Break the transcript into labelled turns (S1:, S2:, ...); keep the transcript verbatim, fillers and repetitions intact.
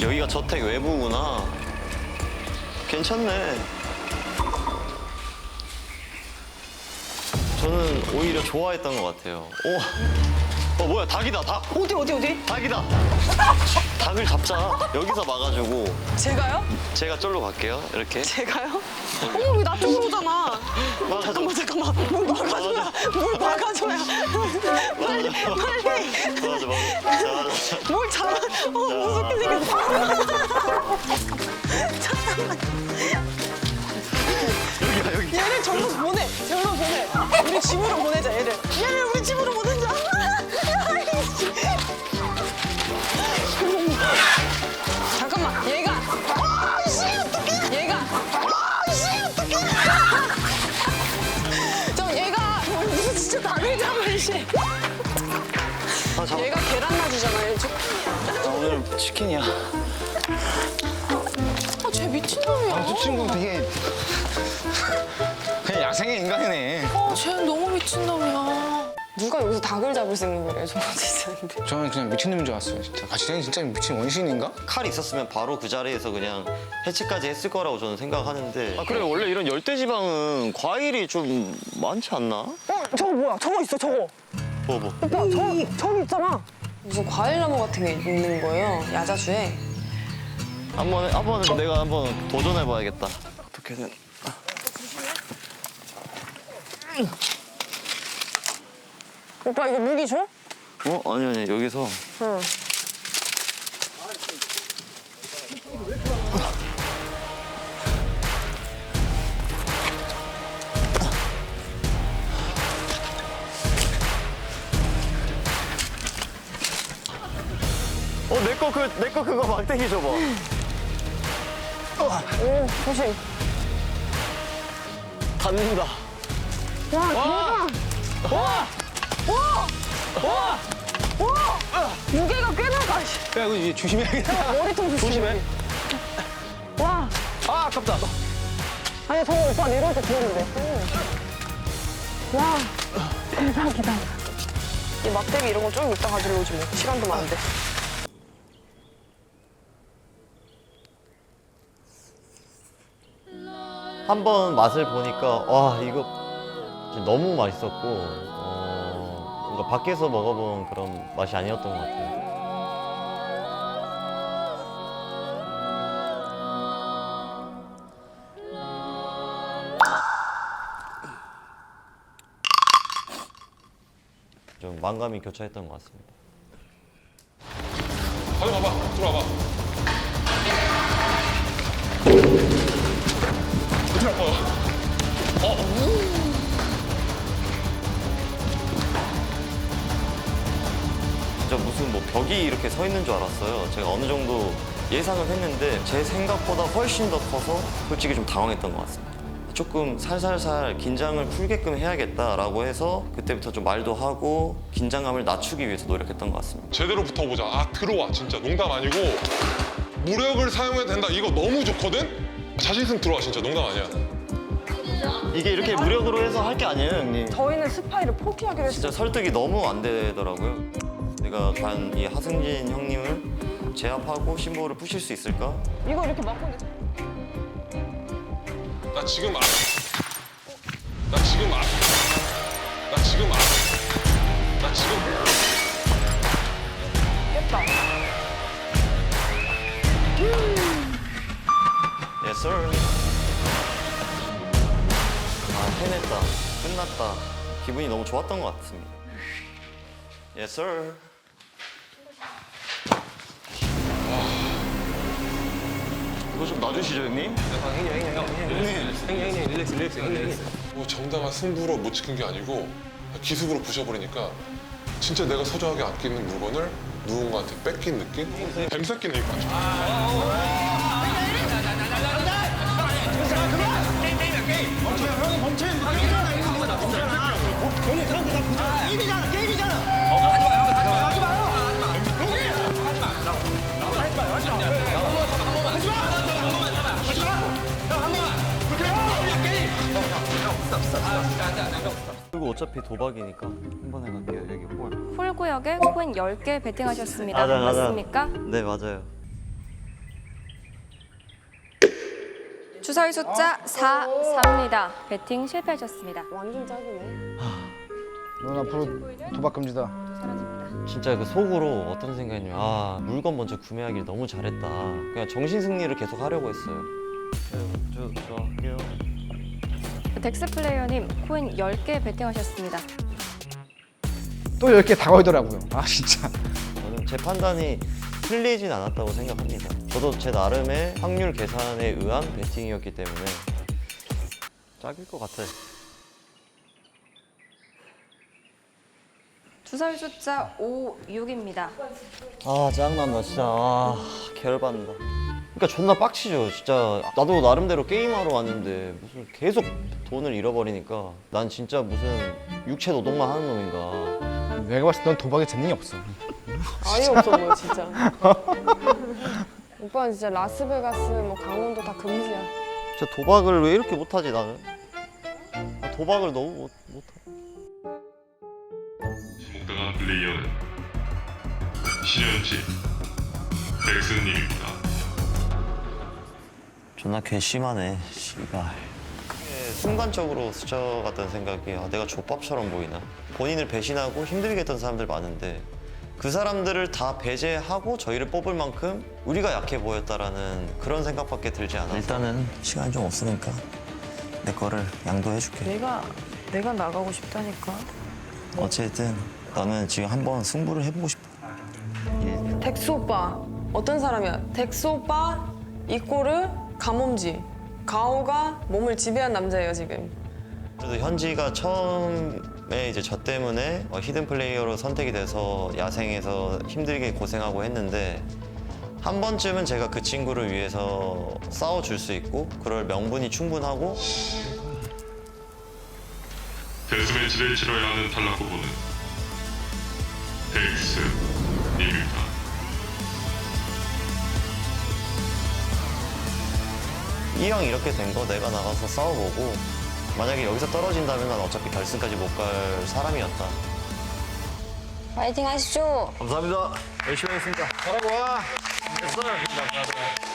S1: 여기가 저택 외부구나. 괜찮네. 저는 오히려 좋아했던 것 같아요. 오, 어 뭐야 닭이다 닭.
S2: 어디 어디 어디?
S1: 닭이다. 닭을 잡자. 여기서 막아주고
S2: 제가요?
S1: 제가 쫄로 갈게요. 이렇게.
S2: 제가요? 어머 왜 나 쪽으로 오잖아.
S1: 막아줘.
S2: 잠깐만 잠깐만. 물 막아줘야. 물 막아줘야. 빨리 빨리.
S1: 맞아 맞아. 맞아.
S2: 뭘 잡아. 어 무섭게 생겼어. 잠깐만.
S1: 여기야 여기.
S2: 얘를 절로 보내. 절로 보내. 우리 집으로 보내자 얘를. 얘를 우리 집으로 보내자. 잠깐만 얘가. 아씨 어떡해. 얘가. 아씨 어떡해. 저 얘가 무슨 진짜 닭을 잡을 씨.
S1: 아, 잡아.
S2: 얘가 계란 놔주잖아요. 저...
S1: 아, 오늘 치킨이야.
S2: 아, 쟤 미친놈이야.
S3: 저 친구 되게 그냥 야생의 인간이네.
S2: 어, 쟤 너무 미친놈이야. 누가 여기서 닭을 잡을 생각을 해, 저는 진짜.
S3: 저는 그냥 미친놈인 줄 알았어요, 진짜. 가시장이 진짜 미친 원신인가?
S1: 칼이 있었으면 바로 그 자리에서 그냥 해치까지 했을 거라고 저는 생각하는데. 아 그래 원래 이런 열대지방은 과일이 좀 많지 않나?
S2: 어, 저거 뭐야? 저거 있어, 저거.
S1: 뭐 뭐.
S2: 오빠, 저기, 저기 있잖아. 무슨 과일나무 같은 게 있는 거예요, 야자수에.
S1: 한번 한번 내가 한번 도전해봐야겠다. 어떻게든.
S2: 오빠, 이거 무기 줘?
S1: 어 아니 아니 여기서.
S2: 응.
S1: 어 내 거 그 내 거 그거 막대기 줘봐.
S2: 오, 조심.
S1: 닿는다.
S2: 와, 대박! 와! 와! 와! 와! 무게가 꽤 나가. 씨.
S3: 야, 이거 이제 조심해야겠다.
S2: 머리통 조심해.
S3: 조심해.
S2: 와!
S3: 아, 아깝다.
S2: 아니, 저거 오빠 내려올 때 들었는데. 와, 대박이다. 이 막대기 이런 거 좀 이따 가지러 오지 뭐. 시간도 많은데.
S1: 한 번 맛을 보니까 와 이거 진짜 너무 맛있었고 어, 뭔가 밖에서 먹어본 그런 맛이 아니었던 것 같아요. 좀 만감이 교차했던 것 같습니다.
S4: 가져가봐, 들어와봐. 어떻게 할 거야? 어?
S1: 진짜 무슨 뭐 벽이 이렇게 서 있는 줄 알았어요. 제가 어느 정도 예상은 했는데 제 생각보다 훨씬 더 커서 솔직히 좀 당황했던 것 같습니다. 조금 살살살 긴장을 풀게끔 해야겠다라고 해서 그때부터 좀 말도 하고 긴장감을 낮추기 위해서 노력했던 것 같습니다.
S4: 제대로 붙어보자. 아, 들어와. 진짜 농담 아니고 무력을 사용해도 된다. 이거 너무 좋거든? 자신 있으면 들어와. 진짜 농담 아니야.
S1: 이게 이렇게 무력으로 해서 할 게 아니에요, 형님.
S2: 저희는 스파이를 포기하기로 했어요.
S1: 진짜 설득이 너무 안 되더라고요. 내가 과연 이 하승진 형님을 제압하고 심보를 푸실 수 있을까?
S2: 이거 이렇게 막고 있는데.
S4: 나 지금 아. 나 지금 아. 나 지금 아. 나 지금.
S2: 깼다.
S1: Yes, sir. 아, 해냈다. 끝났다. 기분이 너무 좋았던 것 같습니다. Yes, sir. 이거 좀 놔주시죠, 형님?
S4: 뭐 정당한 승부로 못 지킨 게 아니고 기습으로 부셔버리니까 진짜 내가 소중하게 아끼는 물건을 누군가한테 뺏긴 느낌? 뱀새끼는 이거 맞죠?
S1: 그리고 어차피 도박이니까 한 번에 갈게요, 여기 홀.
S5: 홀 구역에 코인 열 개 베팅하셨습니다.
S1: 맞아, 맞아.
S5: 맞습니까?
S1: 네, 맞아요.
S5: 주사위 숫자 사, 삼입니다. 배팅 실패하셨습니다.
S2: 완전 짝이네.
S3: 넌 앞으로 도박 금지다.
S5: 사라집니다.
S1: 진짜 그 속으로 어떤 생각이냐면 아 물건 먼저 구매하길 너무 잘했다. 그냥 정신 승리를 계속 하려고 했어요. 저, 저 할게요.
S5: 덱스 플레이어님 코인 열 개 배팅하셨습니다.
S3: 또 열 개 다 걸더라고요. 아 진짜.
S1: 저는 제 판단이 틀리진 않았다고 생각합니다. 저도 제 나름의 확률 계산에 의한 배팅이었기 때문에 짝일 것 같아요.
S5: 주사위 숫자 오, 육입니다.
S1: 아 짜증난다 진짜. 아 개열받는다. 그러니까 존나 빡치죠 진짜. 나도 나름대로 게임하러 왔는데 무슨 계속 돈을 잃어버리니까 난 진짜 무슨 육체 노동만 하는 놈인가.
S3: 내가 봤을 때 넌 도박에 재능이 없어.
S2: 아예 없어 보여 진짜. 오빠는 진짜 라스베가스, 뭐 강원도 다 금지야.
S1: 진짜 도박을 왜 이렇게 못하지 나는? 아, 도박을 너무 못, 못하.
S6: 지목당한 플레이어는 신현지 덱스님입니다.
S1: 존나 괘씸하네 씨발. 순간적으로 스쳐갔던 생각이 아, 내가 족밥처럼 보이나. 본인을 배신하고 힘들게 했던 사람들 많은데 그 사람들을 다 배제하고 저희를 뽑을 만큼 우리가 약해 보였다라는 그런 생각밖에 들지 않아서 일단은 시간이 좀 없으니까 내 거를 양도해줄게.
S2: 내가 내가 나가고 싶다니까.
S1: 어쨌든 나는 지금 한번 승부를 해보고 싶어.
S2: 덱스 오빠 어떤 사람이야? 덱스 오빠 이꼬르 가몸지. 가오가 몸을 지배한 남자예요 지금.
S1: 그래도 현지가 처음에 이제 저 때문에 어, 히든 플레이어로 선택이 돼서 야생에서 힘들게 고생하고 했는데 한 번쯤은 제가 그 친구를 위해서 싸워줄 수 있고 그럴 명분이 충분하고
S6: 데스매치를 치러야 하는 탈락 후보는 덱스님입니다.
S1: 이 형 이렇게 된 거 내가 나가서 싸워보고 만약에 여기서 떨어진다면 난 어차피 결승까지 못 갈 사람이었다.
S7: 파이팅 하십시오.
S1: 감사합니다. 열심히 하겠습니다.
S3: 잘하고 와.
S1: 됐어요.